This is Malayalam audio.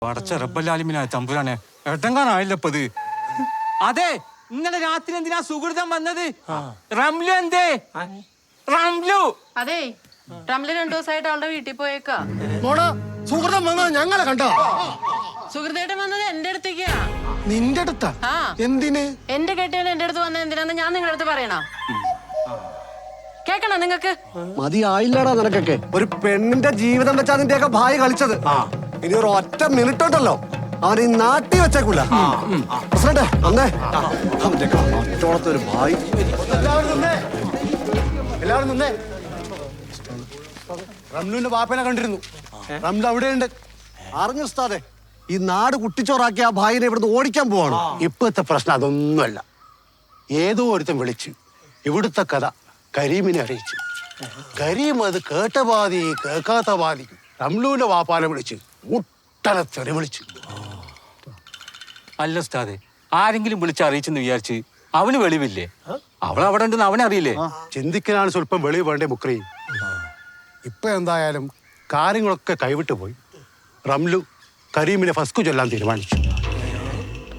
പടച്ച റബ്ബല്ലാലിമിനായ തമ്പുരാനെ എട്ടങ്കാനായില്ലപ്പത്. അതെ, ഇന്നലെ രാത്രി എന്തിനാ സുഹൃതം വന്നത്? റംലു എന്തേ? റംലു അതെ, റംലു 2 ദിവസമായിട്ട് അവളുടെ വീട്ടിൽ പോയേക്കാ. സുഹൃതം വന്നത് ഞങ്ങളെ കണ്ടോ? സുഹൃത്തേട്ടൻ വന്നത് എന്റെ അടുത്തേക്കാ. നിന്റെ അടുത്താ? എന്തിന്? എന്റെ കെട്ടിയവൻ എന്റെ അടുത്ത് വന്നത് എന്തിനാന്ന് ഞാൻ നിങ്ങളുടെ അടുത്ത് പറയണോ? കേക്കണോ നിങ്ങക്ക്? മതിയായില്ലടാ നിനക്കൊക്കെ. ഒരു പെണ്ണിന്റെ ജീവിതം വെച്ചാ നിന്റെയൊക്കെ ഭാര്യ കളിച്ചത്. ഇനി ഒരു ഒറ്റ മിനിറ്റ് ഉണ്ടല്ലോ അവൻ ഈ നാട്ടി വെച്ചേക്കൂല. പ്രസിഡന്റ് വന്നേ. ഒരു ഭായി. എല്ലാവരും നിന്നേ. റംലുവിന്റെ ബാപ്പനെ കണ്ടിരുന്നു. റംലു അവിടെയുണ്ട്. അറിഞ്ഞു ഉസ്താദെ, ഈ നാട് കുട്ടിച്ചോറാക്കി ആ ഭായിനെ ഇവിടുന്ന് ഓടിക്കാൻ പോവാണ്. ഇപ്പോഴത്തെ പ്രശ്നം അതൊന്നുമല്ല. ഏതോ ഒരുത്തൻ വിളിച്ച് ഇവിടുത്തെ കഥ കരീമിനെ അറിയിച്ചു. കരീം അത് കേട്ട പാതി കേൾക്കാത്ത പാതി റംലുവിന്റെ വാപ്പാനെ വിളിച്ച് മുട്ടനെ തെറി വിളിച്ചു. അല്ല ഉസ്താദെ, ആരെങ്കിലും വിളിച്ചറിയിച്ചെന്ന് വിചാരിച്ച് അവന് വെളിവില്ലേ? അവൾ അവിടെ ഉണ്ടെന്ന് അവനറിയില്ലേ? ചിന്തിക്കാനാണ് സ്വല്പം വെളിവ് വേണ്ടേ മുക്രി. ഇപ്പൊ എന്തായാലും കാര്യങ്ങളൊക്കെ കൈവിട്ടു പോയി. റംലു കരീമിനെ ഫസ്കു ചൊല്ലാൻ തീരുമാനിച്ചു.